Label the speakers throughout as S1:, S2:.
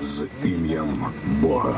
S1: з ім'ям Бога.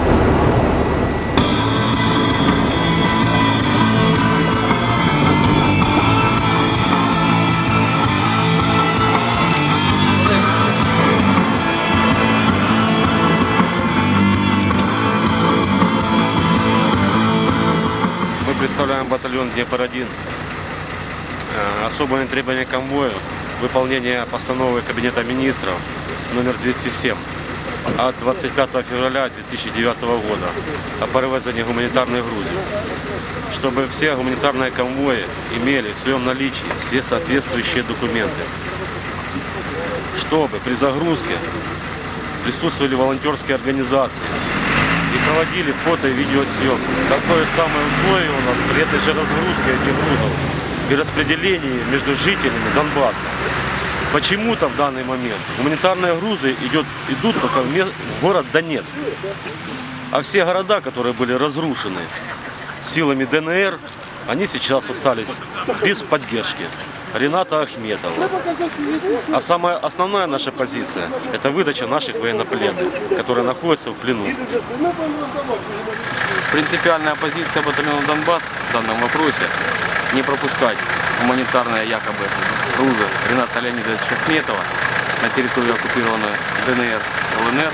S2: Мы представляем батальон Днепр-1. Особое требование к конвою – выполнение постановы Кабинета министров номер 207 от 25 февраля 2009 года о перевезении гуманитарной грузи, чтобы все гуманитарные конвои имели в своем наличии все соответствующие документы, чтобы при загрузке присутствовали волонтерские организации и проводили фото и видеосъемку. Такое самое условие у нас при этой же разгрузке этих грузов и распределении между жителями Донбасса. Почему-то в данный момент гуманитарные грузы идут только в город Донецк. А все города, которые были разрушены силами ДНР, они сейчас остались без поддержки Рената Ахметова. А самая основная наша позиция – это выдача наших военнопленных, которые находятся в плену.
S3: Принципиальная позиция батальона «Донбасс» в данном вопросе – не пропускать гуманитарные якобы грузы Рената Леонидовича Ахметова на территорию оккупированной ДНР, ЛНР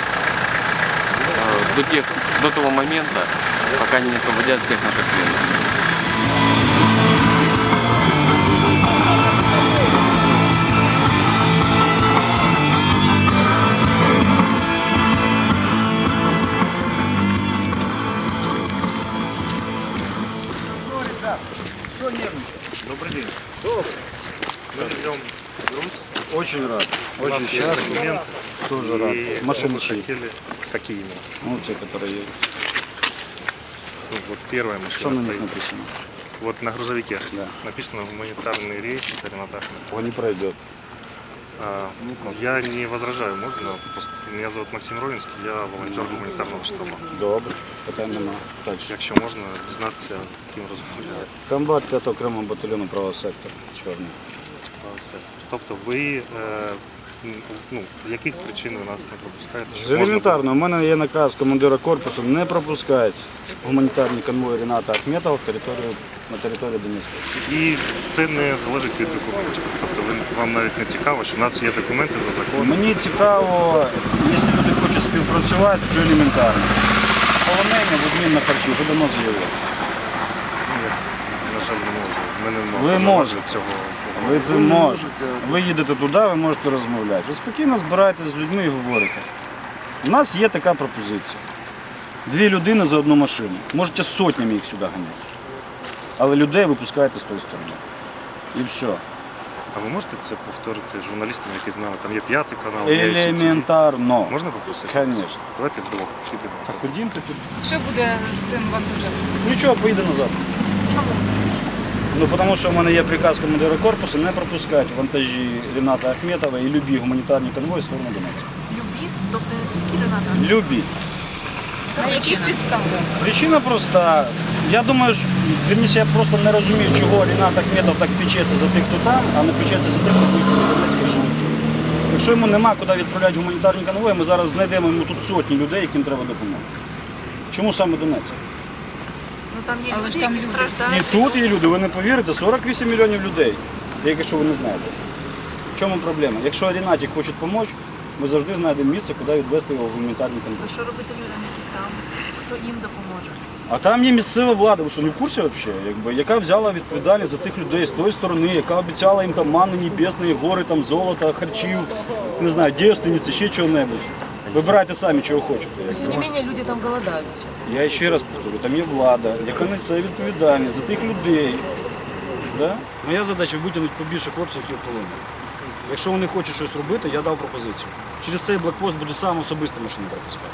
S3: до того момента, пока они не освободят всех наших пленных.
S4: Добрый день. Добрый. Мы ждем груз.
S5: Очень рад.
S4: У нас
S5: Очень
S4: есть
S5: счастлив.
S4: документ.
S5: Тоже рад.
S4: И
S5: Машины
S4: мы
S5: чьи?
S4: хотели... Какие именно?
S5: Ну, те, которые едут.
S4: Ну, вот первая
S5: Что
S4: машина
S5: на них
S4: стоит.
S5: написано?
S4: Вот на грузовике
S5: Да.
S4: написано гуманитарный рейс Рената Ахметова.
S5: Он не пройдет.
S4: Я не возражаю, можно? Просто меня зовут Максим Ровинский, я волонтер гуманітарного штабу.
S5: Добре. Питань нема. Дальше.
S4: Якщо можна, дізнатися, з ким розмовляти.
S5: Комбат 5 окремого батальйону правого сектора. Чорний.
S4: Тобто ви з яких причин ви нас не пропускаєте?
S5: З
S4: Щоб можна
S5: елементарно, у мене є наказ командира корпусу не пропускати гуманітарні конвої Рената Ахметова на територію Донецької.
S4: І це не залежить від документів. Тобто вам навіть не цікаво, що в нас є документи за законом.
S5: Мені цікаво, якщо люди хочуть співпрацювати, все елементарно. Полонення в обмін на харчі вже давно заявили.
S4: На жаль, не можу. Ми не
S5: Ви
S4: можемо
S5: можете.
S4: цього.
S5: Ви це можете. Ви їдете туди, ви можете розмовляти. Ви спокійно збираєтесь з людьми і говорите. У нас є така пропозиція. 2 людини за одну машину. Можете сотнями їх сюди ганяти. Але людей випускаєте з тої сторони. І все.
S4: А ви можете це повторити журналістам, які знали? Там є 5-й канал, є ICTV.
S5: Елементарно.
S4: Можна попросити?
S5: Конечно.
S4: Давайте вдвох підемо.
S5: Так ходімте тут.
S6: Що буде з цим вантажем?
S5: Нічого, поїде назад.
S6: Чому?
S5: Ну, тому що в мене є приказ командира корпусу не пропускати вантажі Рената Ахметова і любі гуманітарні конвої в сторону Донецька.
S6: Любі? Тобто не тільки Рената?
S5: Любі.
S6: На яких підставах?
S5: Причина проста. Я думаю, вірніше, я просто не розумію, чого Ренат Ахметов так печеться за тих, хто там, а не печеться за тих, хто виїхав в Донецьк і живуть тут. Якщо йому нема куди відправляти гуманітарні конвої, ми зараз знайдемо йому тут сотні людей, яким треба допомога. Чому саме Донецьк?
S6: Ну там є
S7: Але
S6: люди,
S7: ж там
S6: які
S7: люди.
S6: страждають.
S5: І тут є люди, ви не повірите, 48 мільйонів людей, якщо ви не знаєте. В чому проблема? Якщо Ренаті хочуть допомогти, ми завжди знайдемо місце, куди відвести його в гуманітарні конвої.
S6: А що робити людям, які там? Хто їм допоможе?
S5: А там є місцева влада, ви що не в курсі взагалі? Яка взяла відповідальність за тих людей з тої сторони, яка обіцяла їм там манни небесні, гори, там, золота, харчів, не знаю, дівственниці, ще чого-небудь. Вибирайте самі, чого хочете.
S7: Тем не менее, люди там голодают сейчас.
S5: Я ще раз повторю, там є влада, яка несе відповідальність за тих людей. Да? Моя задача витягнути побільше хлопців, які в полоні. Якщо вони хочуть щось робити, я дав пропозицію. Через цей блокпост буду сам особисто машину пропускати.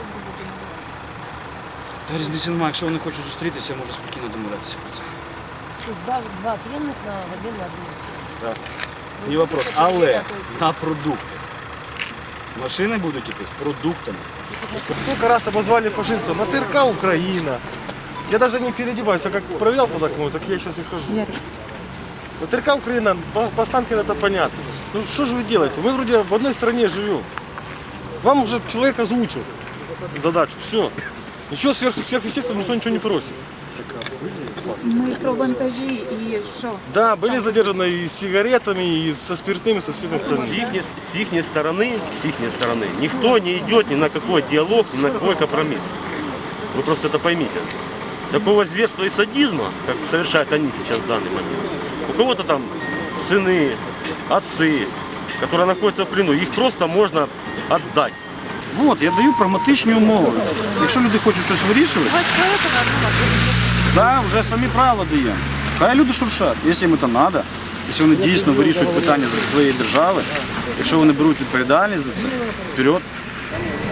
S5: Та різниці немає, якщо вони хочуть зустрітися, я можу спокійно домовлятися про це.
S7: Два пленных в один на одну.
S5: Так. Не вопрос. Але на продукти. Машини будуть йти з продуктами.
S8: Сколько раз обозвали фашистом? На ТРК Украина. Я даже не переодеваюсь, а как проверял под окном, так я сейчас и хожу. На ТРК Украина, по Останкино это понятно. Ну что же вы делаете? Мы вроде в одной стране живем. Вам уже человек озвучил задачу, все. Ничего сверхъестественного никто ничего не просит.
S9: Ми про вантажі і що?
S8: Да, были задержаны и с сигаретами, и со спиртным, и со всем остальным.
S2: С их стороны никто не идет ни на какой диалог, ни на какой компромисс. Вы просто это поймите. Такого зверства и садизма, как совершают они сейчас в данный момент. У кого-то там сыны, отцы, которые находятся в плену, их просто можно отдать.
S5: От, я даю прагматичні умови. Якщо люди хочуть щось вирішувати, да, вже самі правила даємо. Хай люди шуршать, якщо їм це треба, якщо вони дійсно вирішують питання за своєї держави, якщо вони беруть відповідальність за це, вперед.